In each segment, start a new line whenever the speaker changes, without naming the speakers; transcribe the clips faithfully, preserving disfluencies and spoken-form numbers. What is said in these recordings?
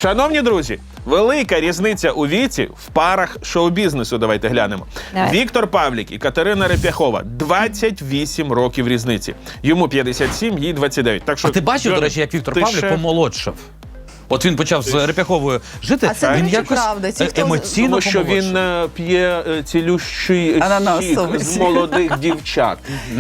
Шановні друзі, велика різниця у віці в парах шоу-бізнесу. Давайте глянемо.
Давай.
Віктор Павлік і Катерина Реп'яхова. двадцять вісім років різниці. Йому п'ятдесят сім, їй двадцять дев'ять. Так що,
а ти бачив, до речі, як Віктор
ти
Павлік
ще...
помолодшав? От він почав з Реп'яховою жити,
а це,
він
речі,
якось
правда. Ті, хто...
емоційно
Тому що
помолодшав.
він е, п'є е, цілющий сік з молодих дівчат.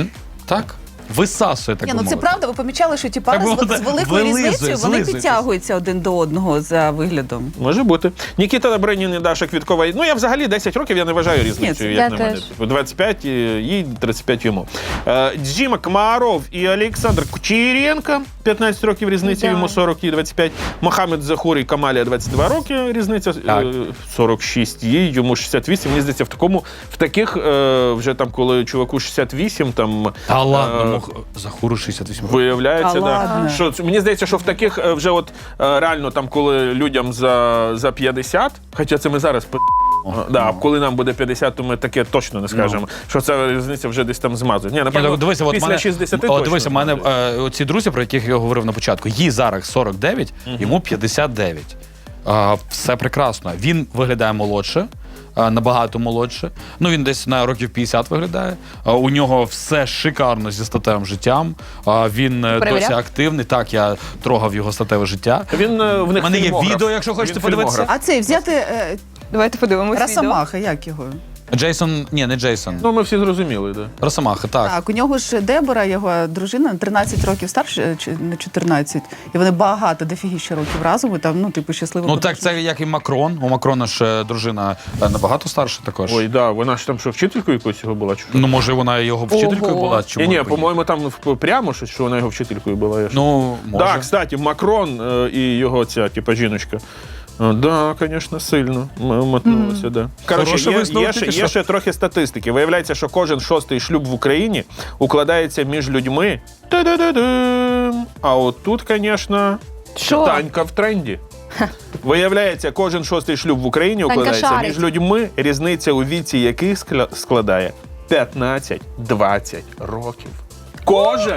Так? Висасує, так
Ні,
би
ну це
мовити.
правда, ви помічали, що ті пари
Так,
з,
воно
з великою
вилизує,
різницею, вони
злизує.
підтягуються один до одного за виглядом.
Може бути. Нікіта Добринін і Даша Квіткова. Ну, я взагалі десять років я не вважаю різницею,
Ні,
як
я
на мене.
теж.
двадцять п'ять їй, тридцять п'ять йому. Е, Діма Комаров і Олександр Кучеренко. п'ятнадцять років різниця,
Да.
йому сорок, їй двадцять п'ять. Мохамед Захур і Камалія двадцять два роки різниця,
Так.
е, сорок шість їй, йому шістдесят вісім. Мені здається, в такому, в таких, е, вже там, коли чуваку шістдесят вісім, там...
Та ладно,
е,
мог... Захуру шістдесят вісім років.
Виявляється,
Та
да.
ладно.
Що, це- мені здається, що в таких е, вже от е, реально там, коли людям за, за п'ятдесят, хоча це ми зараз п***, да, а коли нам буде п'ятдесят, то ми таке точно не скажемо, що ця різниця вже десь там змазує. Ні,
Ні,
напевно,
так, дивися, от
після
мене,
шістдесят
о,
точно
дивися, в мене
змазує.
е, ці друзі, про яких я говорив на початку, їй зараз сорок дев'ять, йому п'ятдесят дев'ять. Е, все прекрасно. Він виглядає молодше, е, набагато молодше. Ну, він десь на років п'ятдесят виглядає. Е, у нього все шикарно зі статевим життям. Е, він е,
Перевіряв?
досі активний. Так, я трогав його статеве життя.
Він е, в них
У мене є
фільмограф.
відео, якщо хочете
Він
подивитися.
фільмограф.
А цей взяти е,
Давайте подивимось відео.
Росомаха, як його?
Джейсон, ні, не Джейсон.
Ну, ми всі зрозуміли, да.
Росомаха, так.
Так, у нього ж Дебора, його дружина, на тринадцять років старше, чи на чотирнадцять. І вони багато, дофігіще років разом, і там, ну, типу, щасливо.
Ну так, це як і Макрон. У Макрона ж е, дружина е, набагато старша також.
Ой, да, вона ж там що, вчителькою якоюсь його була? Чи що?
Ну, може, вона його вчителькою
Ого.
була? Чи
Ні, ні,
може,
по-моєму, там в- прямо щось, що вона його вчителькою була. Я ж-
Ну, може.
Так, кстати, Макрон е, і його ця, типа, жіночка. Е, Да, звісно, сильно м- мотнулося, да. Коротше,
Хороший
є,
висновок
є, ще,
тільки
є
що.
ще трохи статистики. Виявляється, що кожен шостий шлюб в Україні укладається між людьми. Та-да-да-дам. А от тут, звісно,
Що?
Танька в тренді. Виявляється, кожен шостий шлюб в Україні
Танька
укладається
шарить.
між людьми, різниця у віці яких скля- складає п'ятнадцять-двадцять років. Кожен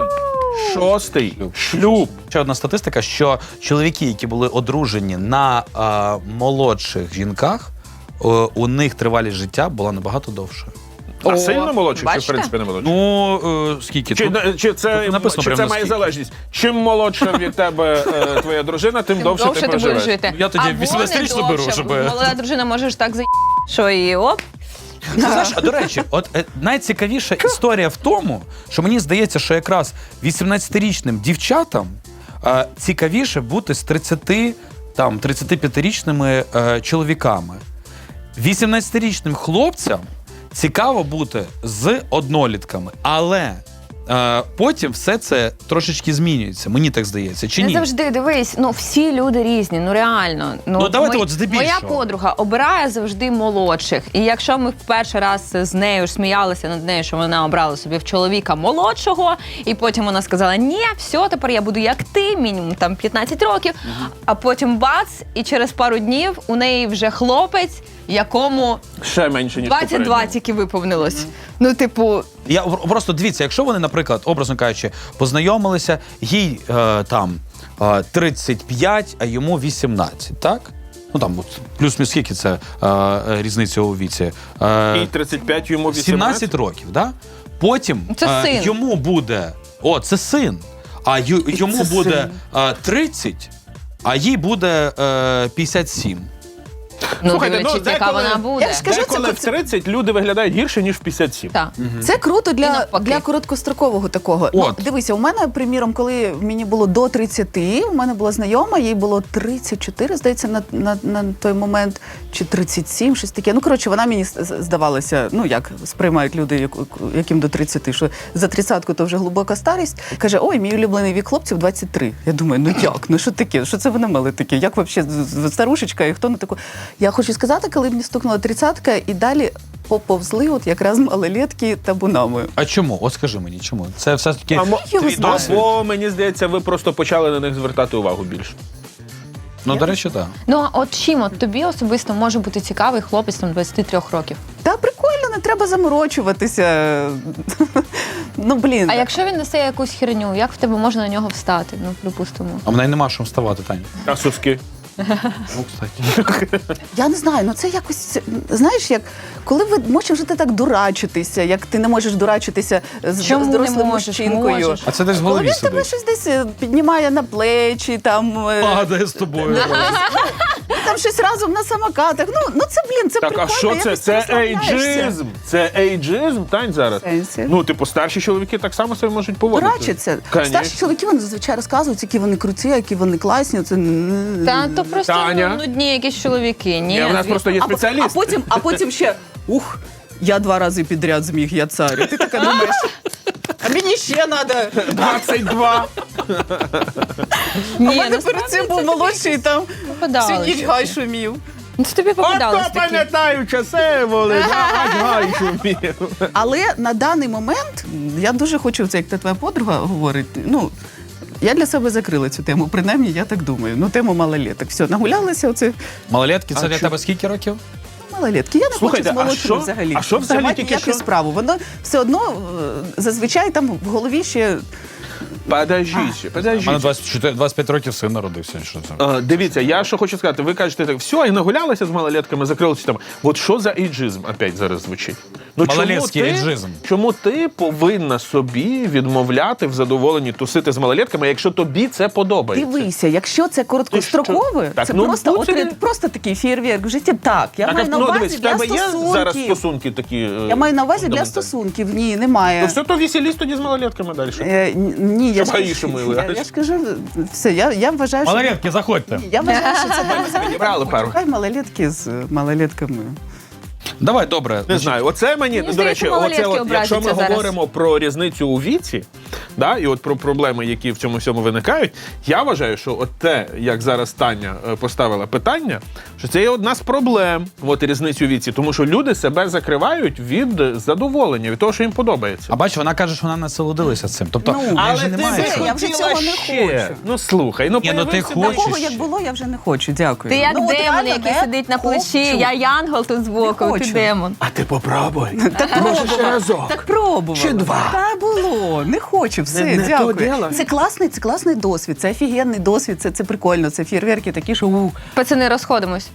шостий шлюб.
Ще одна статистика, що чоловіки, які були одружені на е, молодших жінках, е, у них тривалість життя була набагато довше.
А
О,
сильно молодший, чи в
бачите?
принципі не молодший?
Ну, е, скільки?
Чи,
Тут-
чи це,
тут написано
чи
прямо
це має
наскільки.
залежність? Чим молодша від тебе е, твоя дружина, тим,
Тим
довше,
довше
ти
ти будеш
проживеш.
жити.
Я тоді
Або
вісімнадцятирічну
не
беру,
довше.
щоб-
Молода дружина може ж так за що і оп.
Ти знаєш, а до речі, от е, найцікавіша історія в тому, що мені здається, що якраз вісімнадцятирічним дівчатам е, цікавіше бути з тридцяти, там, тридцятип'ятирічними е, чоловіками. вісімнадцятирічним хлопцям цікаво бути з однолітками, але е, потім все це трошечки змінюється. Мені так здається, чи
Не
ні?
завжди, дивись, ну всі люди різні, ну реально.
Ну, давайте от здебільшого.
Моя подруга обирає завжди молодших. І якщо ми в перший раз з нею ж сміялися над нею, що вона обрала собі в чоловіка молодшого, і потім вона сказала, ні, все, тепер я буду як ти, мінімум там п'ятнадцять років, а потім бац, і через пару днів у неї вже хлопець, якому
Ще менше, ніж
двадцять два
попередньо.
тільки виповнилось. Ну, типу,
Я в- просто дивіться, якщо вони, наприклад, образно кажучи, познайомилися, їй е, там е, тридцять п'ять, а йому вісімнадцять, так? Ну там от, плюс-мінус скільки це е, е, різниця у віці? Е,
І тридцять п'ять, йому вісімнадцять.
сімнадцять років, да? Потім
Це
е,
син.
йому буде. О, це син. А ю, йому
це
буде
син.
е, тридцять, а їй буде е, п'ятдесят сім.
ну
Слухайте,
дивлячись,
ну,
яка
деколи-
вона буде.
Я ж скажу,
Деколи
це-
в тридцять люди виглядають гірше, ніж в п'ятдесят сім.
Так.
Це круто
І
для,
навпаки.
для короткострокового такого. Ну,
От.
дивися, у мене, приміром, коли мені було до тридцяти, у мене була знайома, їй було тридцять чотири, здається, на, на, на той момент, чи тридцять сім, щось таке. Ну, коротше, вона мені з- з- здавалася, ну, як сприймають люди, як- яким до тридцяти, що за тридцятку то вже глибока старість. Каже, ой, мій улюблений вік хлопців двадцять три. Я думаю, ну як, ну що таке, що це ви намели таке? Як взагалі старушечка, і хто на таку? Я хочу сказати, коли мені стукнула тридцятка, і далі поповзли от якраз малолетки табунами.
А чому? От скажи мені, чому? Це все таки.
А мо-
його
твій
знаю.
досвід? Бо, мені здається, ви просто почали на них звертати увагу більше.
Ну, до речі, так.
Ну, а от чим от тобі особисто може бути цікавий хлопець там двадцять три років?
Та прикольно, не треба заморочуватися. Ну, блін.
А якщо він несе якусь херню, як в тебе можна на нього встати? Ну, припустимо.
А в неї нема що вставати, Таня.
А соски?
Ну, кстати.
Я не знаю, ну це якось, знаєш, як коли ви можеш вже ти так дурачитися, як ти не можеш дурачитися з,
Чому
з
не
дорослим
можеш?
мужчинкою.
Можеш.
А це десь в
Коли
голові
він тебе
сидить.
щось десь е, піднімає на плечі, там, е,
Падає з тобою.
там щось разом на самокатах. Ну, ну це, блін, це
Так, а
прикольно.
що це?
якось
Це
розслабляєшся.
ейджизм. Це ейджизм, Тань, зараз.
В сенсі?
Ну, типу, старші чоловіки так само себе можуть поводити.
Дурачиться.
Конечно.
Старші чоловіки, вони зазвичай розказують, які вони круті, які вони класні. Це...
Та то просто
Таня?
ну, нудні якісь чоловіки. Ні,
Ні, в нас
звісно.
просто є
А, по- а,
спеціаліст.
потім, а потім ще, ух, я два рази підряд зміг, я цар. І ти така думаєш, а мені ще треба.
двадцять два.
Ні,
У мене
насправді
перед цим
це
був
тобі
молодший, там
попадалося.
сидів гай шумів.
Ну, це тобі попадалось
Ото
такі.
пам'ятаю часи, були, аж гай шумів.
Але на даний момент я дуже хочу, це як та твоя подруга говорить, ну, я для себе закрила цю тему, принаймні, я так думаю. Ну, тему малолеток. Все, нагулялися, оце
Малолетки, це
А
для
що?
тебе скільки років?
малолетки. Я не
Слухайте,
хочу з
а
молодшими
що-
взагалі.
а що взагалі
Мати
тільки
ніяку
що?
справу. Воно все одно е, зазвичай там в голові ще
Подождіть,
У мене
подождіть.
двадцять чотири двадцять п'ять років син народився. Що це?
Е, Дивіться, я що хочу сказати, ви кажете так, все, і нагулялися з малолетками, закрили цю тему. От що за ейджизм опять зараз звучить? Ну, чому
Малолетський
ти-
ейджизм.
Чому ти повинна собі відмовляти в задоволенні тусити з малолетками, якщо тобі це подобається?
дивися, якщо це короткострокове,
Так,
це
ну,
просто,
будь
от,
собі.
просто такий фєрверк в житті. Так, я
Так,
маю
а,
на
ну,
увазі
дивись, в
для
тебе є
стосунків.
зараз стосунки такі? е,
Я маю на увазі для
фундаментальні?
стосунків. Ні, немає.
Ну все, то веселість тоді з малолетками далі.
Е, н- ні, я
Щоб
ж,
гаїші мили.
я, я ж кажу, все, я, я вважаю, що...
Малолетки, заходьте.
Я вважаю, що це
Підібрали пару.
Хай малолетки з малолетками.
Давай, добре.
Не знаю, оце мені,
Мені
до
здається,
речі, оце
малолетки
от, якщо ми
образяться зараз.
говоримо про різницю у віці, да, і от про проблеми, які в цьому всьому виникають, я вважаю, що от те, як зараз Таня е, поставила питання, що це є одна з проблем, от різницю у віці, тому що люди себе закривають від задоволення, від того, що їм подобається.
А бач, вона каже, що вона насолодилася цим. Тобто,
Ну,
в неї
Але
же
ти
немає.
би
це,
цього.
я вже
хотіла
цього не
ще.
хочу.
Ну слухай, ну
Ні, ну, ти
появився
хочеш.
Такого,
ще.
як було, я вже не хочу. Дякую.
Ти як
Ну, от
демон,
реально
який
не
сидить на плечі.
хочу.
Я янгол тут збоку,
Не
ти
хочу.
демон.
А ти попробуй.
Так
Може, ще
пробувала.
разок.
Так пробувала.
Чи два.
Та було. Не хочу, все,
Не- не то
дякую.
діло.
Це класний, це класний досвід, це офігенний досвід, це, це прикольно, це фєрверки такі, що у.
Пацани, розходимось.